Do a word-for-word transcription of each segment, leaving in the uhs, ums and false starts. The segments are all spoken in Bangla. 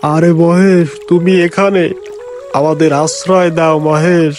আরে মহেশ, তুমি এখানে? আমাদের আশ্রয় দাও মহেশ।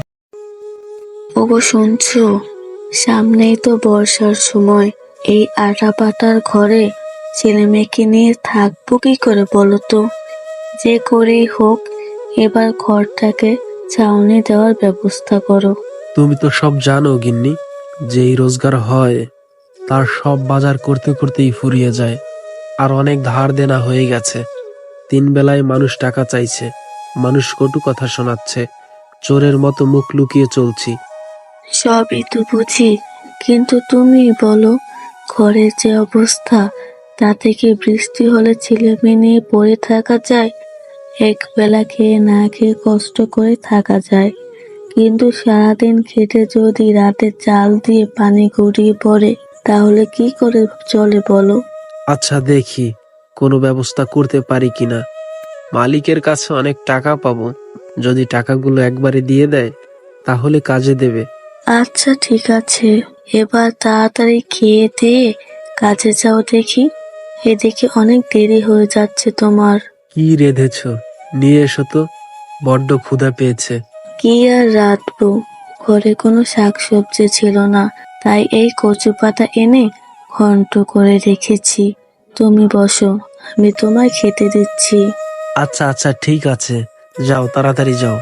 ওগো শুনছো? সামনেই তো বর্ষার সময়। এই আটা পাতার ঘরে ছেলে মেয়েকে নিয়ে থাকবো কি করে বলো তো? যে করেই হোক এবার ঘরটাকে ছাউনি দেওয়ার ব্যবস্থা করো। তুমি তো সব জানো গিন্নি, যেই রোজগার হয় তার সব বাজার করতে করতেই ফুরিয়ে যায়। আর অনেক ধার দেনা হয়ে গেছে। তিন বেলায় মানুষ টাকা চাইছে, মানুষ কটু কথা শোনাচ্ছে, চোরের মতো মুখ লুকিয়ে চলছি। সবই তো বুঝি, কিন্তু তুমি বলো, ঘরের যে অবস্থা, তা থেকে বৃষ্টি হলে ছেলে মেয়ে নিয়ে পড়ে থাকা যায়? এক বেলা খেয়ে না খেয়ে কষ্ট করে থাকা যায়, কিন্তু সারাদিন খেটে যদি রাতে চাল দিয়ে পানি গড়িয়ে পড়ে, তাহলে কি করে চলে বলো? আচ্ছা দেখি কোনো ব্যবস্থা করতে পারি কিনা। মালিকের কাছে অনেক টাকা পাবো, যদি টাকাগুলো একবারে দিয়ে দেয় তাহলে কাজে দেবে। আচ্ছা ঠিক আছে, এবার তাড়াতাড়ি খেয়ে দিয়ে কাজে যাও দেখি। এদিকে অনেক দেরি হয়ে যাচ্ছে তোমার। কি রেঁধেছ? নিয়ে এসো তো, বড্ড ক্ষুধা পেয়েছে। কি আর রাঁধবো, ঘরে কোনো শাকসবজি ছিল না, তাই এই কচু পাতা এনে ঘন্ট করে রেখেছি। তুমি বসো, আমি তোমায় খেতে দিচ্ছি। আচ্ছা আচ্ছা ঠিক আছে, যাও তাড়াতাড়ি যাও।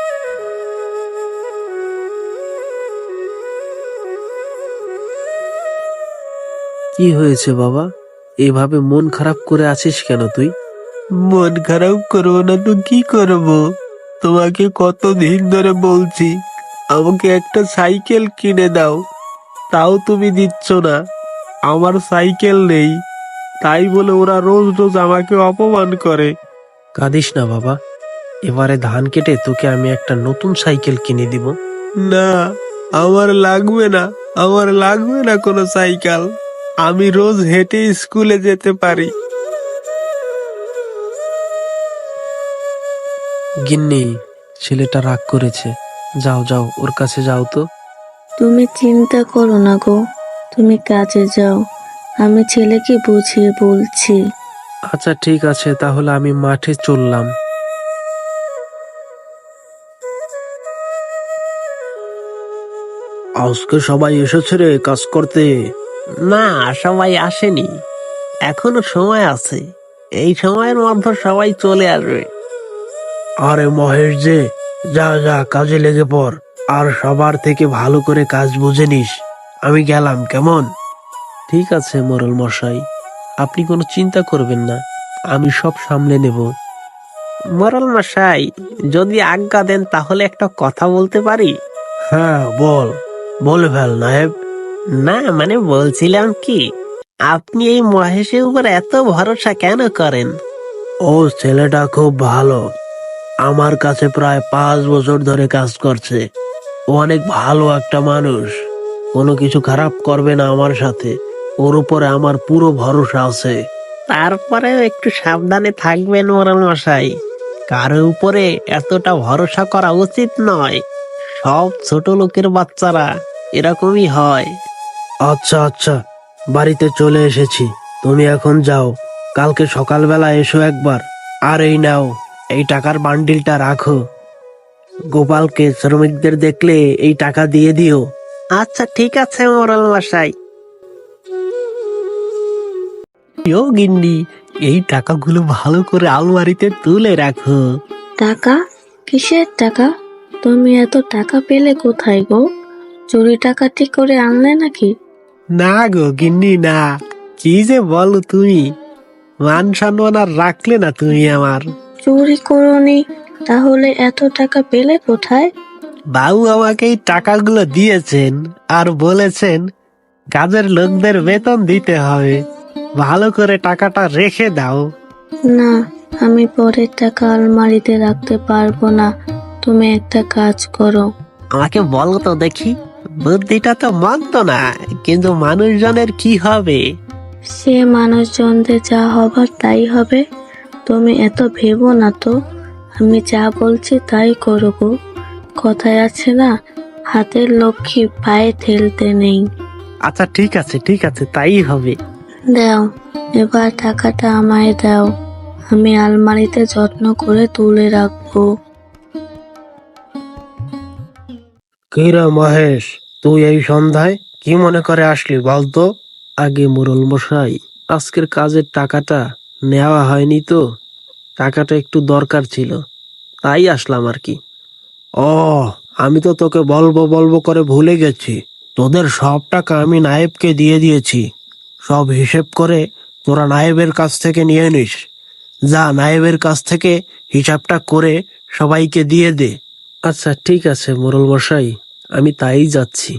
কি হয়েছে বাবা, এভাবে মন খারাপ করে আছিস কেন তুই? মন খারাপ করবো না তো কি করব? তোমাকে কতদিন ধরে বলছি আমাকে একটা সাইকেল কিনে দাও, তাও তুমি দিচ্ছ না। আমার সাইকেল নেই, তাই বলে ওরা রোজ রোজ আমাকে অপমান করে। কাঁদিস না বাবা, এবারে ধান কেটে তোকে আমি একটা নতুন সাইকেল কিনে দিব। না, আমার লাগবে না, আমার লাগবে না কোনো সাইকেল। আমি রোজ হেঁটে স্কুলে যেতে পারি। গিন্নি, ছেলেটা রাগ করেছে, যাও যাও ওর কাছে যাও তো। তুমি চিন্তা করো না গো, তুমি কাজে যাও, আমি ছেলেকে বুঝিয়ে বলছি। আচ্ছা ঠিক আছে, তাহলে আমি মাঠে চললাম। আজকে সবাই এসেছে রে কাজ করতে? না, সবাই আসেনি, এখনো সময় আছে। এই সময়ের মধ্যে সবাই চলে আসবে। আরে মহেশ যে, যা যা কাজে লেগে পড়, আর সবার থেকে ভালো করে কাজ বুঝে নিস। আমি গেলাম কেমন? ঠিক আছে মোড়ল মশাই, আপনি কোনো চিন্তা করবেন না, আমি সব সামলে নেব। মোড়ল মশাই, যদি আজ্ঞা দেন তাহলে একটা কথা বলতে পারি? হ্যাঁ বল, বলে ফেল নায়েব। না মানে বলছিলাম কি, আপনি এই মহেশের উপর এত ভরসা কেন করেন? ও ছেলেটা খুব ভালো, আমার কাছে প্রায় পাঁচ বছর ধরে কাজ করছে। ও অনেক ভালো একটা মানুষ, কোনো কিছু খারাপ করবে না আমার সাথে। ওর উপরে আমার পুরো ভরসা আছে। তারপরেও একটু সাবধানে থাকবেন মোড়ল মশাই, কারো উপরে এতটা ভরসা করা উচিত নয়। সব ছোট লোকের বাচ্চারা এরকমই হয়। আচ্ছা আচ্ছা, বাড়িতে চলে এসেছি, তুমি এখন যাও, কালকে সকালবেলা এসো একবার। আর এই নাও, এই টাকার বান্ডিলটা রাখো, গোপালকে শ্রমিকদের দেখলে এই টাকা দিয়ে দিও। আচ্ছা ঠিক আছে মোড়ল মশাই। ও গিন্নি, এই টাকাগুলো ভালো করে আলমারিতে তুলে রাখো। টাকা? কিসের টাকা? তুমি এত টাকা পেলে কোথায় গো? চুরি ডাকাতি করে আনলে নাকি? না গো গিন্নি না, কি যে বলো তুমি, মান সম্মান আর রাখলে না তুমি আমার। চুরি করনি, তাহলে এত টাকা পেলে কোথায়? বাবু আমাকে এই টাকাগুলো দিয়েছেন, আর বলেছেন কাজের লোকদের বেতন দিতে হবে, ভালো করে টাকাটা রেখে দাও। না, আমি পরের টাকা আলমারিতে রাখতে পারবো না। তুমি একটা কাজ করো। আমাকে বলো তো দেখি, বুদ্ধিটা তো মন্দ না, কিন্তু মানুষজনের কি হবে? সে মানুষজনদের যা হবার তাই হবে, তুমি এত ভেবো না তো। আমি যা বলছি তাই করো গো। কথায় আছে না, হাতের লক্ষ্মী পায়ে ঠেলতে নেই। আচ্ছা ঠিক আছে ঠিক আছে, তাই হবে। দাও, এবার টাকাটা আমায় দাও। আমি আলমারিতে যত্ন করে তুলে রাখবো। কিরা মহেশ, তুই এই সন্ধ্যায় কি মনে করে আসলি বলতো? আগে মোরল মশাই, আজকের কাজের টাকাটা নেওয়া হয়নি তো, টাকাটা একটু দরকার ছিল, তাই আসলাম আর কি। ও, আমি তো তোকে বলবো বলবো করে ভুলে গেছি। তোদের সব টাকা আমি নায়েবকে দিয়ে দিয়েছি। সব হিসেব করে তোরা নায়েবের কাছ থেকে নিয়ে নিস। যা, নায়েবের কাছ থেকে হিসাবটা করে সবাইকে দিয়ে দে। আচ্ছা ঠিক আছে মোরল মশাই, আমি তাই যাচ্ছি।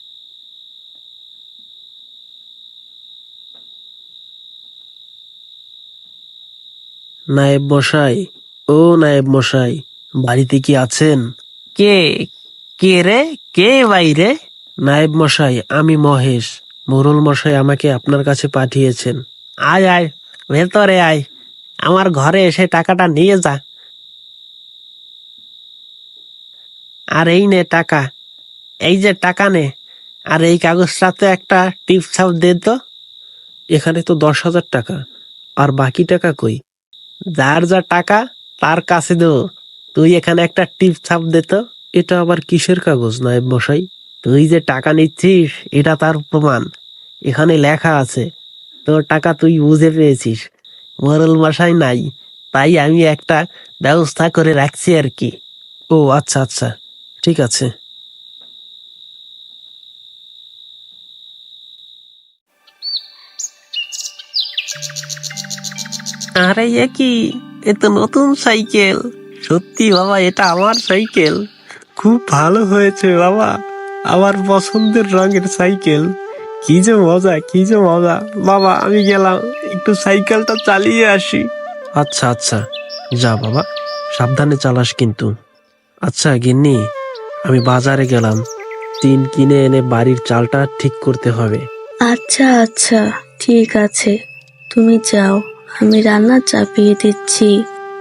নায়েব মশাই, ও নায়েব মশাই, বাড়িতে কি আছেন? কে কে রে? কে বাইরে? নায়েব মশাই, আমি মহেশ। মোরল মশাই আমাকে আপনার কাছে পাঠিয়েছেন। আয় আয়, ভেতরে আয়, আমার ঘরে এসে টাকাটা নিয়ে যা। আর এই নে টাকা, এই যে টাকা নে। আর এই কাগজটাতে একটা টিপ ছাপ দে তো। এখানে তো দশ হাজার টাকা, আর বাকি টাকা কই? যার যা টাকা তার কাছে দেবো, তুই এখানে একটা টিপ ছাপ দে তো। এটা আবার কিসের কাগজ নায়েব মশাই? তুই যে টাকা নিচ্ছিস এটা তার প্রমাণ। এখানে লেখা আছে তোর টাকা তুই বুঝে পেয়েছিস, মোরল মশাই নাই, তাই আমি একটা ব্যবস্থা করে রাখছি আর কি। ও আচ্ছা আচ্ছা, ঠিক আছে। আরে এ কি, এ তো নতুন সাইকেল। সত্যি বাবা, এটা আমার সাইকেল। খুব ভালো হয়েছে বাবা, আমার পছন্দের রঙের সাইকেল। কি যে মজা, কি যে মজা। বাবা আমি গেলাম, একটু সাইকেলটা চালিয়ে আসি। আচ্ছা আচ্ছা, যা বাবা, সাবধানে চালাস কিন্তু। আচ্ছা গিন্নি, আমি বাজারে গেলাম, টিন কিনে এনে বাড়ির চালটা ঠিক করতে হবে। আচ্ছা আচ্ছা, ঠিক আছে, তুমি যাও, আমি রান্না চাপিয়ে দিচ্ছি।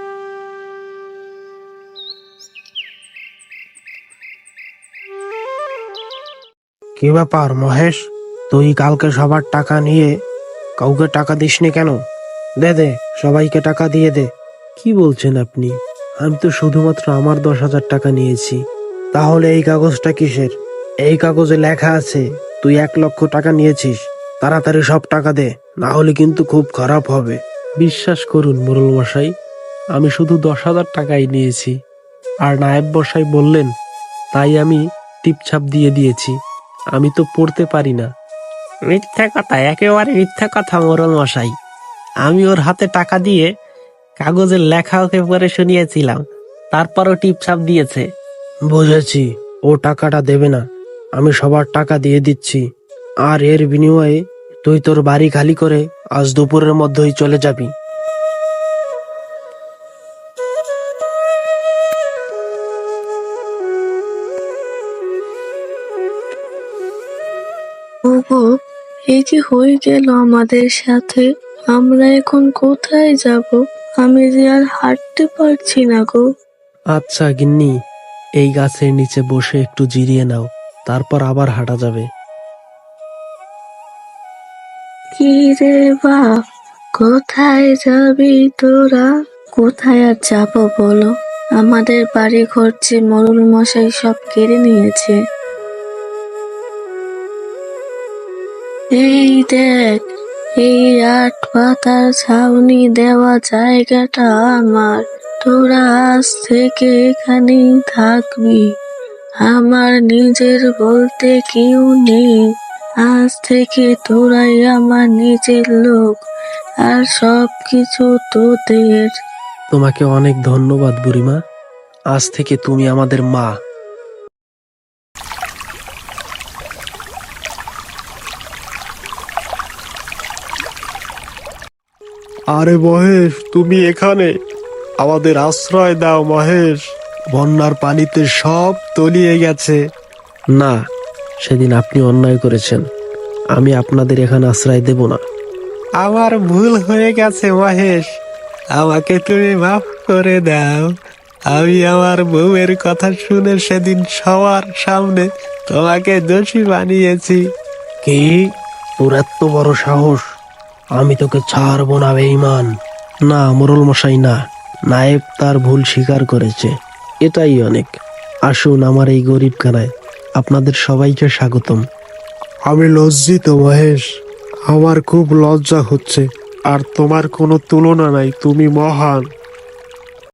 কি ব্যাপার মহেশ, তুই কালকে সবার টাকা নিয়ে কাউকে টাকা দিসনি কেন? দে দে, সবাইকে টাকা দিয়ে দে। কি বলছেন আপনি? আমি তো শুধুমাত্র আমার দশ হাজার টাকা নিয়েছি। তাহলে এই কাগজটা কিসের? এই কাগজে লেখা আছে তুই এক লক্ষ টাকা নিয়েছিস। তাড়াতাড়ি সব টাকা দে, না হলে কিন্তু খুব খারাপ হবে। বিশ্বাস করুন মোরল মশাই, আমি শুধু দশ হাজার টাকাই নিয়েছি। আর নায়েব মশাই বললেন তাই আমি টিপছাপ দিয়ে দিয়েছি। আমি তো পড়তে পারি না। মিথ্যা কথা, একেবারে মিথ্যা কথা মোরল মশাই। আমি ওর হাতে টাকা দিয়ে কাগজের লেখা ওকে পরে শুনিয়েছিলাম, তারপরও টিপছাপ দিয়েছে। বুঝেছি, ও টাকাটা দেবে না, আমি সবার টাকা দিয়ে দিচ্ছি। আর এর বিনিময়ে তুই তোর বাড়ি খালি করে আজ দুপুরের মধ্যেই চলে যাবি। ওগো, এ কি হয়ে গেল আমাদের সাথে? আমরা এখন কোথায় যাব? আমি যে আর হাঁটতে পারছি না গো। আচ্ছা গিন্নি, এই গাছের নিচে বসে একটু জিরিয়ে নাও, তারপর আবার হাঁটা যাবে। কি রে বাপ, কোথায় যাবি তোরা? কোথায় আর যাব বলো, আমাদের বাড়ি ঘর যে মোরল মশাই সব কেড়ে নিয়েছে। এই দেখ, এই আট পাতার ছাউনি দেওয়া জায়গাটা আমার। তোরা আজ থেকে এখানেই থাকবি। আমার নিজের বলতে কেউ নেই। আজ থেকে তোরাই আমার নিজের লোক, আর সব কিছু তোদের। তোমাকে অনেক ধন্যবাদ বুড়িমা, আজ থেকে তুমি আমাদের মা। আরে মহেশ, তুমি এখানে? আমাদের আশ্রয় দাও মহেশ, বন্যার পানিতে সব তলিয়ে গেছে। না, সেদিন আপনি অন্যায় করেছেন, আমি আপনাদের এখানে আশ্রয় দেব না। আমার ভুল হয়ে গেছে মহেশ, আমাকে তুমি মাফ করে দাও। আমি আমার বউয়ের কথা শুনে সেদিন সবার সামনে তোমাকে দোষী বানিয়েছি। কি, তোর এত বড় সাহস? আমি তোকে ছাড়বো না বেঈমান। না মোরল মশাই, না, নায়েব তার ভুল স্বীকার করেছে, এটাই অনেক। আসুন আমার এই গরিবখানায়, আপনাদের সবাইকে স্বাগতম। আমি লজ্জিত মহেশ, আমার খুব লজ্জা হচ্ছে। আর তোমার কোনো তুলনা নাই, তুমি মহান।